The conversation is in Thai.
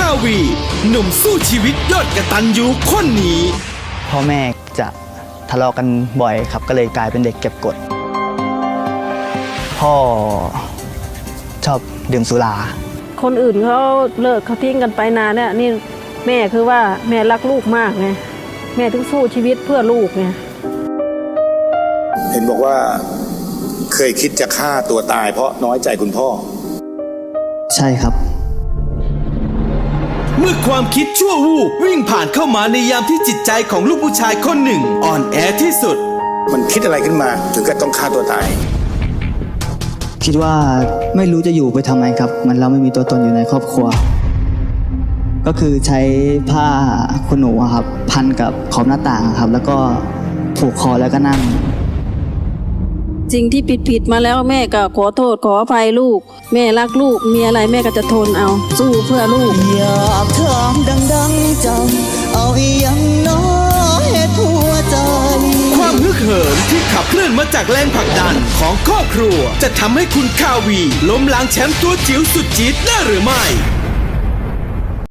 าวีหนุ่มสู้ชีวิตยอดกตัญญูคนนี้พ่อแม่จะทะเลาะกันบ่อยครับก็เลยกลายเป็นเด็กเก็บกดพ่อชอบดื่มสุราคนอื่นเขาเลิกเขาทิ้งกันไปนานเนี่ยนี่แม่คือว่าแม่รักลูกมากไงแม่ถึงสู้ชีวิตเพื่อลูกไงเห็นบอกว่าเคยคิดจะฆ่าตัวตายเพราะน้อยใจคุณพ่อใช่ครับเมื่อความคิดชั่ววูบวิ่งผ่านเข้ามาในยามที่จิตใจของลูกผู้ชายคนหนึ่งอ่อนแอที่สุดมันคิดอะไรขึ้นมาถึงกับต้องฆ่าตัวตายคิดว่าไม่รู้จะอยู่ไปทำไมครับมันเราไม่มีตัวตนอยู่ในครอบครัวก็คือใช้ผ้าขนหนูครับพันกับขอบหน้าต่างครับแล้วก็ผูกคอแล้วก็นั่งสิ่งที่ผิดมาแล้วแม่ก็ขอโทษขออภัยลูกแม่รักลูกมีอะไรแม่ก็จะทนเอาสู้เพื่อลูกอยากถามดังๆจังเอาอย่างน้อยเหตุหัวใจความฮึกเหิมที่ขับเคลื่อนมาจากแรงผลักดันของครอบครัวจะทำให้คุณคาวีล้มล้างแชมป์ตัวจิ๋วสุดจี๊ดได้หรือไม่